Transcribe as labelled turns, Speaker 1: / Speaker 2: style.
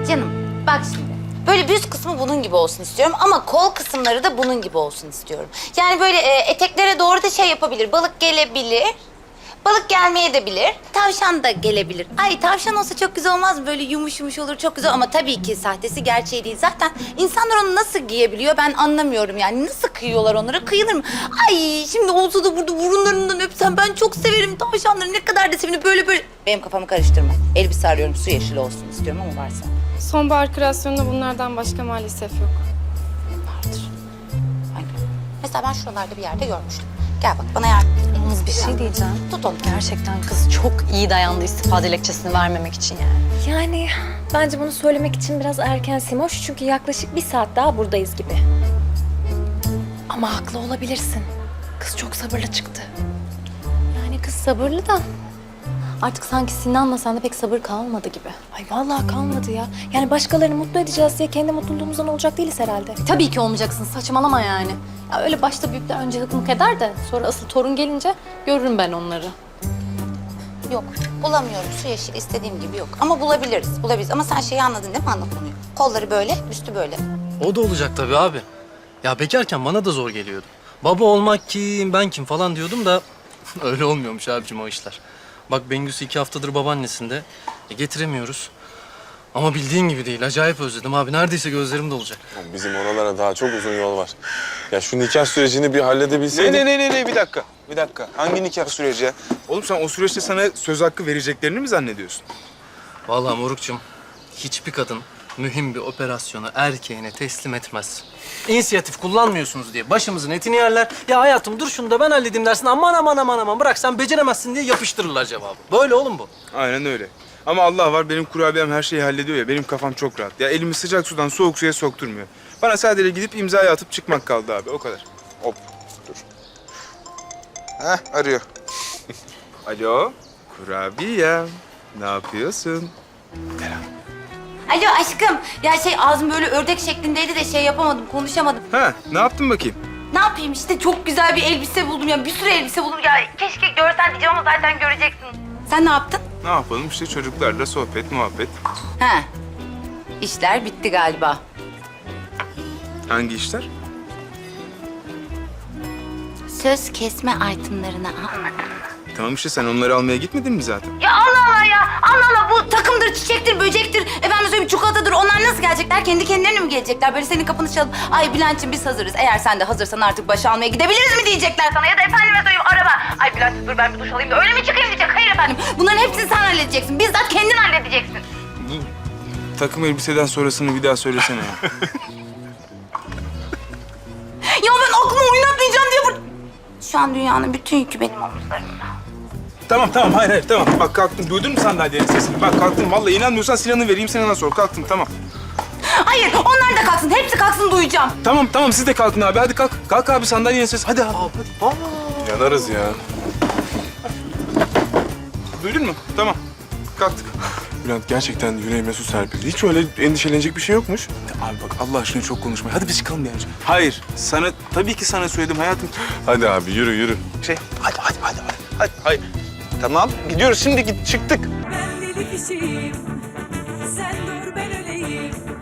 Speaker 1: canım bak şimdi. Böyle büst kısmı bunun gibi olsun istiyorum ama kol kısımları da bunun gibi olsun istiyorum. Yani böyle eteklere doğru da şey yapabilir. Balık gelebilir. Balık gelmeye de bilir. Tavşan da gelebilir. Ay tavşan olsa çok güzel olmaz mı? Böyle yumuş yumuş olur çok güzel ama tabii ki sahtesi gerçeği değil. Zaten insanlar onu nasıl giyebiliyor ben anlamıyorum yani. Nasıl kıyıyorlar onlara? Kıyılır mı? Ay şimdi olsa da burada burunlarından öpsem ben çok severim tavşanları. Ne kadar da sevinir böyle böyle. Benim kafamı karıştırma. Elbise arıyorum su yeşili olsun istiyorum ama varsa.
Speaker 2: Sonbahar kreasyonunda bunlardan başka maalesef yok.
Speaker 1: Vardır. Aynen. Mesela ben şuralarda bir yerde görmüştüm. Gel bak bana yardım et.
Speaker 3: Yalnız bir şey diyeceğim.
Speaker 1: Tut onu.
Speaker 3: Gerçekten kız çok iyi dayandı istifa dilekçesini vermemek için yani.
Speaker 4: Yani bence bunu söylemek için biraz erken Simoş. Çünkü yaklaşık 1 saat daha buradayız gibi.
Speaker 3: Ama haklı olabilirsin. Kız çok sabırlı çıktı.
Speaker 4: Yani kız sabırlı da artık sanki Sinan'la sende pek sabır kalmadı gibi.
Speaker 3: Ay vallahi kalmadı ya. Yani başkalarını mutlu edeceğiz diye kendi mutluluğumuzdan olacak değiliz herhalde.
Speaker 4: Tabii ki olmayacaksın. Saçmalama yani. Ya öyle başta büyükler önce hıkmık eder de sonra asıl torun gelince görürüm ben onları.
Speaker 1: Yok bulamıyorum su yeşili istediğim gibi yok. Ama bulabiliriz ama sen şeyi anladın değil mi ana konuyu? Kolları böyle üstü böyle.
Speaker 5: O da olacak tabii abi. Ya bekarken bana da zor geliyordu. Baba olmak kim, ben kim falan diyordum da öyle olmuyormuş abicim o işler. Bak Bengüsü 2 haftadır babaannesinde. Getiremiyoruz. Ama bildiğin gibi değil. Acayip özledim abi. Neredeyse gözlerim dolacak.
Speaker 6: Bizim oralara daha çok uzun yol var. Ya şu nikah sürecini bir halledebilseydik.
Speaker 7: Ne bir dakika. Hangi nikah süreci ya? Oğlum sen o süreçte sana söz hakkı vereceklerini mi zannediyorsun?
Speaker 5: Vallahi morukçum, hiçbir kadın mühim bir operasyonu erkeğine teslim etmez. İnisiyatif kullanmıyorsunuz diye başımızın etini yerler. Ya hayatım dur şunu da ben halledeyim dersin. Aman bırak sen beceremezsin diye yapıştırırlar cevabı. Böyle oğlum bu.
Speaker 7: Aynen öyle. Ama Allah var benim kurabiyem her şeyi hallediyor ya. Benim kafam çok rahat. Ya elimi sıcak sudan soğuk suya sokturmuyor. Bana sadece gidip imzayı atıp çıkmak kaldı abi. O kadar. Hop dur. Heh arıyor. Alo kurabiyem. Ne yapıyorsun?
Speaker 1: Alo aşkım. Ya ağzım böyle ördek şeklindeydi de yapamadım, konuşamadım.
Speaker 7: Ha ne yaptın bakayım?
Speaker 1: Ne yapayım işte çok güzel bir elbise buldum ya. Bir sürü elbise buldum ya. Keşke görsen diyeceğim ama zaten göreceksin. Sen ne yaptın?
Speaker 7: Ne yapalım işte çocuklarla sohbet, muhabbet.
Speaker 1: He. İşler bitti galiba.
Speaker 7: Hangi işler?
Speaker 1: Söz kesme itemlarını almadım.
Speaker 7: Tamam işte sen onları almaya gitmedin mi zaten?
Speaker 1: Ya Allah Allah ya. Allah Allah bu takımdır, çiçektir, böcektir. Efendim söyleyeyim çikolatadır. Onlar nasıl gelecekler? Kendi kendilerine mi gelecekler? Böyle senin kapını çalıp ay Bülent'ciğim biz hazırız. Eğer sen de hazırsan artık başı almaya gidebiliriz mi diyecekler sana? Ya da efendime söyleyeyim araba. Ay Bülent dur ben bir duş alayım da öyle mi çıkayım diyecek. Hayır efendim. Bunların hepsini sen halledeceksin. Bizzat kendin halledeceksin.
Speaker 7: Bu takım elbiseden sonrasını bir daha söylesene ya.
Speaker 1: Ya ben aklımı oynatmayacağım diye Şu an dünyanın bütün yükü benim omuzlarımda.
Speaker 7: Tamam hayır tamam. Bak kalktım duydun mu sandalyenin sesini? Bak kalktım vallahi inanmıyorsan Sinan'ı vereyim Sinan'a sor. Kalktım tamam.
Speaker 1: Hayır onlar da kalksın. Hepsi kalksın duyacağım.
Speaker 7: Tamam siz de kalkın abi hadi kalk. Kalk abi sandalyenin sesi hadi abi.
Speaker 6: Yanarız ya.
Speaker 7: Duydun mu? Tamam. Kalktık.
Speaker 6: Bülent gerçekten yüreğime su serpildi. Hiç öyle endişelenecek bir şey yokmuş.
Speaker 7: Abi bak Allah aşkına çok konuşma. Hadi biz çıkalım yani. Hayır tabii ki sana söyledim hayatım.
Speaker 6: Hadi abi yürü.
Speaker 7: Hadi. Hayır. Tamam gidiyoruz şimdi çıktık.
Speaker 8: Ben deli kişiyim, sen dur ben öleyim.